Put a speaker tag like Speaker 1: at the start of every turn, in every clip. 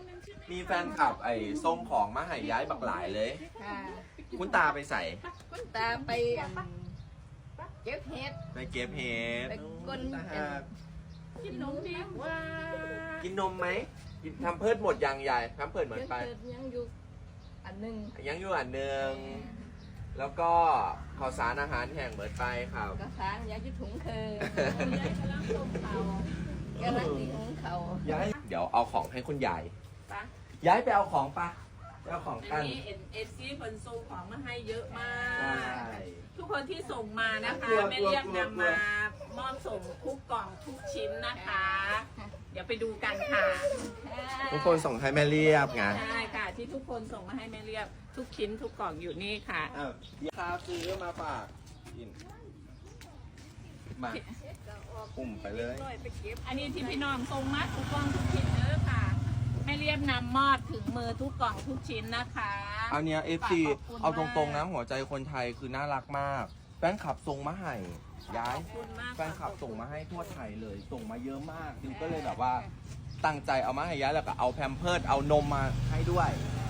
Speaker 1: มีแฟนคลับไอ้ส่งของมาให้ย้ายบักหลายเลย
Speaker 2: ค่ะ
Speaker 1: คุณตาไปใส่
Speaker 2: คุณตาไปเก็บเห็ด
Speaker 1: ไปเก็บเห็ด
Speaker 2: ไปก้น
Speaker 1: ตา
Speaker 2: เห็ด
Speaker 1: หัก
Speaker 2: กินนมดีกว่า
Speaker 1: กินนมไหมกินทำเพิดหมดยังยายทำเพิดเหมือนไป
Speaker 2: ยังอยู่อันหนึ่ง
Speaker 1: ยังอยู่อันหนึ่งแล้วก็ข้าวสารอาหารแห้งเหมือนไปครับ
Speaker 2: กระถางยาจะถุงคือยายกำลังต้มเขากำลังตีหุงเขา
Speaker 1: ย้ายเดี๋ยวเอาของให้คุณยาย
Speaker 3: ปะ
Speaker 1: ย้ายไปเอาของปะไปเอาของ
Speaker 3: อั
Speaker 1: กัน น
Speaker 3: นี้เอฟซีคนส่งของมาให้เยอะมา
Speaker 1: ใช่
Speaker 3: ก ทุกคนที่ส่งมานะคะ
Speaker 1: กลัว
Speaker 3: แม่เรียก
Speaker 1: กลัว
Speaker 3: นำมามอบส่งทุกกล่องทุกชิ้นนะคะ เดี๋ยวไปดูกันค่ะ
Speaker 1: ทุกคนส่งให้แม่เรียบไง
Speaker 3: ใช่ค่ะ ที่ทุกคนส่งมาให้แม่เรียบทุกชิ้นทุกกล่องอยู่นี่ค่ะ
Speaker 1: อ้าวข้าวซื้อมาฝากกินมาปุ่มไปเลย
Speaker 3: อันนี้ที่พี่น้องส่งมาทุกกล่องทุกชิ้นเด้อค่ะแม่เรียบนำมอบถึงมือทุกกล่องทุกชิ้นนะคะ
Speaker 1: อันเนี้ย FC
Speaker 3: ขอบคุณ
Speaker 1: เอาตรงๆ
Speaker 3: มาก
Speaker 1: นะหัวใจคนไทยคือน่ารักมาก แฟนคลับส่งมาให้ย้าย
Speaker 3: ขอบคุณมาก
Speaker 1: แฟนคลับส่งมาให้ทั่วไทยเลย ส่งมาเยอะมากดิวก็เลยแบบว่าตั้งใจเอามาให้ย้ายแล้วก็เอาแพมเพิร์ดเอานมมาให้ด้วย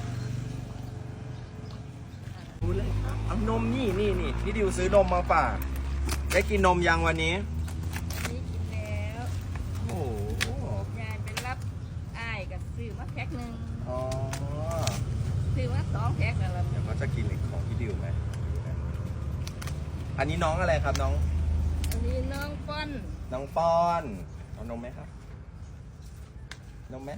Speaker 1: ดูเลยเอานมนี่พี่ดิวซื้อนมมาฝากได้กินนมยังวันนี้
Speaker 2: นี่กินแล้ว
Speaker 1: โอ้โห
Speaker 2: ยายไปรับอ้ายกับซื้อมาแพ็คหนึ่ง
Speaker 1: อ๋อ
Speaker 2: ซื้อมา2 แพ็คแล้วล่ะ
Speaker 1: เดี๋ยวเขาจะกินของพี่ดิวไหมอันนี้น้องอะไรครับน้อง
Speaker 2: อันนี้น้องป้อน
Speaker 1: น้องป้อนเอานมไหมครับนมไหม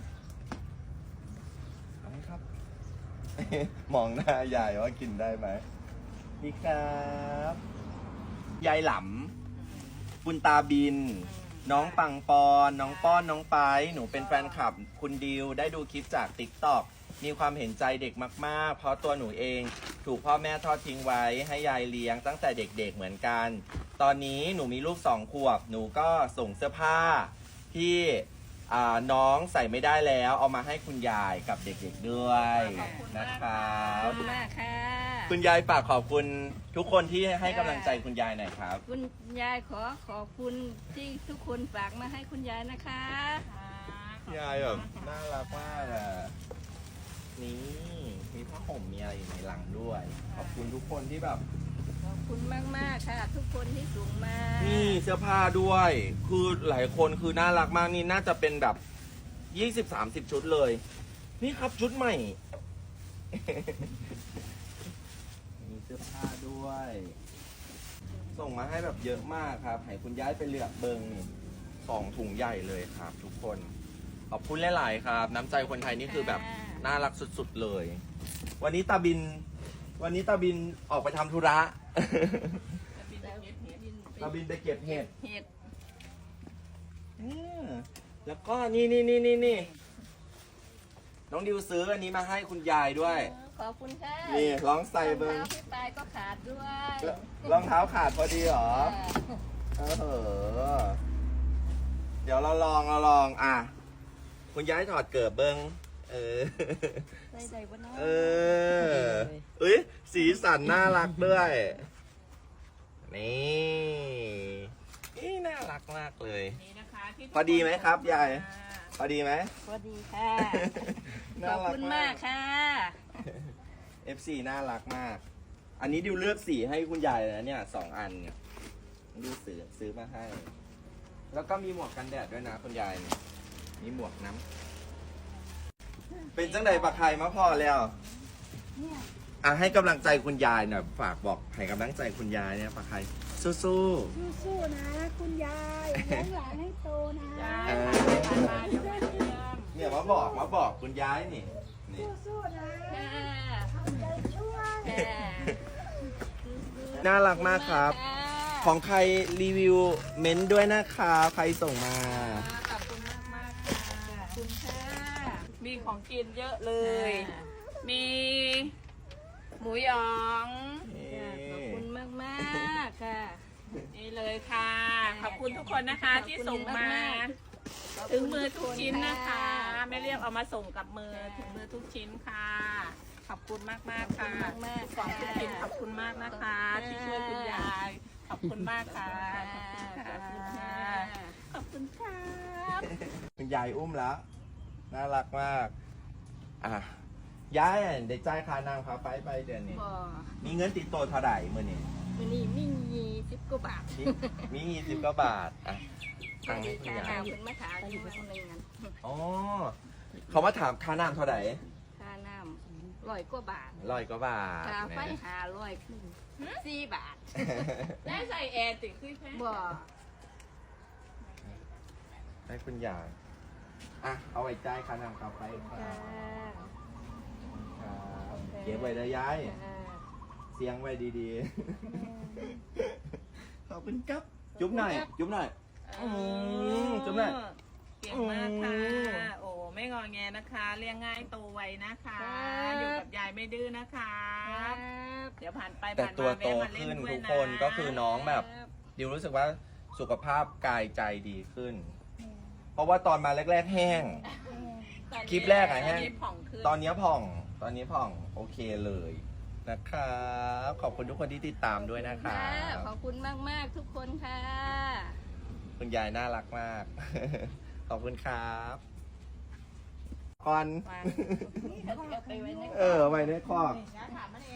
Speaker 1: เอาไหมครับ มองหน้ายายว่ากินได้ไหมนี่ครับยายหลำคุณตาบิน น้องปังปอนน้องป้อนน้องไปหนูเป็นแฟนคลับคุณดิวได้ดูคลิปจาก TikTok มีความเห็นใจเด็กมากๆ เพราะตัวหนูเองถูกพ่อแม่ทอดทิ้งไว้ให้ยายเลี้ยงตั้งแต่เด็กๆเหมือนกัน ตอนนี้หนูมีลูก2 ขวบหนูก็ส่งเสื้อผ้าที่น้องใส่ไม่ได้แล้วเอามาให้คุณยายกับเด็กๆด้วยนะครั
Speaker 2: ขอบบ คุณมากค่ะ
Speaker 1: คุณยายฝากขอบคุณทุกคนที่ให้กำลังใจคุณยายหน่อยครับ
Speaker 2: คุณยายขอบคุณที่ทุกคนฝากมาให้คุณยายนะคะ
Speaker 1: ยายแบบน่ารักมากอ่ะ นี่มีผ้าห่มมีอะไรอยู่ในหลังด้วย ขอบคุณทุกคนที่แบบ
Speaker 2: ขอบคุณมากๆค่ะ ทุกคนที่ส่งมา
Speaker 1: นี่เสื้อผ้าด้วย คือหลายคนคือน่ารักมากนี่น่าจะเป็นแบบ20-30 ชุดเลย นี่ครับชุดใหม่ มีเสื้อผ้าด้วย ส่งมาให้แบบเยอะมากครับ ให้คุณย้ายไปเลือกเบิงนี่2 ถุงใหญ่เลยครับ ทุกคน ขอบคุณหลาย ๆ ครับ น้ำใจคนไทยนี่คือแบบน่ารักสุด ๆ เลย วันนี้ตาบินออกไปทำธุระ ตาบินไปเก็บเห็ด
Speaker 2: เห็ด
Speaker 1: แล้วก็นี่น้องดิวซื้ออันนี้มาให้คุณยายด้วย
Speaker 2: ขอบคุณค่ะ
Speaker 1: นี่ลองใส่เบิ้ง
Speaker 2: รองท้าพี่ปายก็ขาดด้วย
Speaker 1: รองเท้าขาดพอดีเหรอเดี๋ยวเราลองอ่ะ คุณยายถอดเกิบเบิ้ง
Speaker 2: ใส่ใจบนน้อง
Speaker 1: เอ้ยสีสันน่ารักด้วย นี่น่ารักมากเลย
Speaker 3: นี่นะคะที่ทุก
Speaker 1: พอดีไหมครับยาย
Speaker 3: อ่า
Speaker 1: พอดีไหม
Speaker 2: สวัสดีค่ะ ข
Speaker 1: น่า
Speaker 2: อบ
Speaker 1: รั
Speaker 2: คุณมากค่ะ
Speaker 1: FC น่ารักมาก อันนี้ดิวเลือกสีให้คุณยายนะเนี่ย2 อันเนี่ยดิวซื้อมาให้ แล้วก็มีหมวกกันแดดด้วยนะคุณยายเนี่ยมีหมวกน้ำเป็นจังใดปากไข่มาพอแล้วให้กำลังใจคุณยายหน่อยฝากบอกให้กำลังใจคุณยายเนี่ยปากไข่สู้
Speaker 4: สู้ๆนะคุณยายเลี้ยงหลานให้โตนะ
Speaker 3: ยายมาเดี๋ยวมาเยี่ยม
Speaker 1: ๆเนี่ยมาบอกคุณยายนี่
Speaker 4: สู้ๆนะ
Speaker 2: ค่ะ
Speaker 4: ทำใจช่วย
Speaker 2: ค่ะ
Speaker 1: น่ารักมากครับ ของใครรีวิวเม้นต์ด้วยนะคะใครส่งมา
Speaker 3: ขอบคุณมากๆค่ะ
Speaker 2: ขอบคุณค่ะ
Speaker 3: มีของกินเยอะเลย มีหมูหยอง
Speaker 2: ขอบคุณมากๆค่ะ
Speaker 3: นี่เลยค่ะ ขอบคุณทุกคนนะคะที่ส่งมา ถึงมือทุกชิ้นนะคะแม่เรียกเอามาส่งกับมือถึงมือทุกชิ้นค่ะ ขอบคุณมากๆค่ะ
Speaker 2: ขอบคุณมากๆ
Speaker 3: สองทุกชิ้นขอบคุณมากนะคะ ที่ช่วยคุณยาย ขอบคุณมากค่ะ
Speaker 2: ขอบคุณค่ะ
Speaker 3: ขอบคุณครับ
Speaker 1: คุณยายอุ้มแล้ว น่ารักมากอ่ะยายได้จ่ายค่านั่งค่าไฟไปเดือนนี้
Speaker 2: บ่
Speaker 1: มีเงินติดตัวเท่าไหร่มื้อนี้
Speaker 2: มื้อนี้มี20กว่าบาท
Speaker 1: มี20กว่าบาทอ่ะทางนี้คุณยาย
Speaker 2: ค่าน้ำเพิ่นมาถามอยู่มื้อนึงนั้น
Speaker 1: อ๋อเขามาถามค่าน้ำเท่าไหร่
Speaker 2: ค่าน้ำ100กว่าบาท
Speaker 1: 100กว่าบาท
Speaker 2: ค่าไฟ
Speaker 1: นะ
Speaker 2: 500ขึ้น4 บาท
Speaker 3: ได้ใส่แอร์ติดขึ้นแค่
Speaker 2: บ่
Speaker 1: ให้คุณยายอ่ะเอาไว้จ่ายค่าน้ำค่าไฟครับ
Speaker 2: ค่ะ
Speaker 1: ครับเก็บไว้นะยาย เสียงไว้ดีๆ ขอบคุณครับ จุ๊บหน่อย จุ๊บหน่อย จุ๊บหน่อย
Speaker 3: เก่งมากค่ะ โอ้ไม่งอแงนะคะ เลี้ยงง่ายโตไวนะคะ อยู่กับยายไม่ดื้อนะคะ เดี๋ยวผ่านไป
Speaker 1: แต่
Speaker 3: ผ่าน
Speaker 1: ตัว
Speaker 3: มา
Speaker 1: โต
Speaker 3: แวะมาเล่
Speaker 1: ขึ้น
Speaker 3: ด้วย
Speaker 1: ทุก
Speaker 3: นะ
Speaker 1: คนก็คือน้องแบบดิวรู้สึกว่าสุขภาพกายใจดีขึ้น เพราะว่าตอนมาแรกๆแห้ง คลิปแรกอะแห้ง
Speaker 3: ตนนี้ผ่องขึ้น
Speaker 1: ตอนนี้ผ่อง ตอนนี้ผ่อง โอเคเลยนะครับ ขอบคุณทุกคนที่ติดตามด้วยนะครั
Speaker 2: ค่ะ
Speaker 1: บ
Speaker 2: ขอบคุณมาก ๆ ทุกคนค่ะ
Speaker 1: คุณยายน่ารักมาก ขอบคุณครับก่อน
Speaker 3: วาง
Speaker 2: เอาไปไว้ใน
Speaker 1: ไว้ในคอก
Speaker 3: ถามมันเอง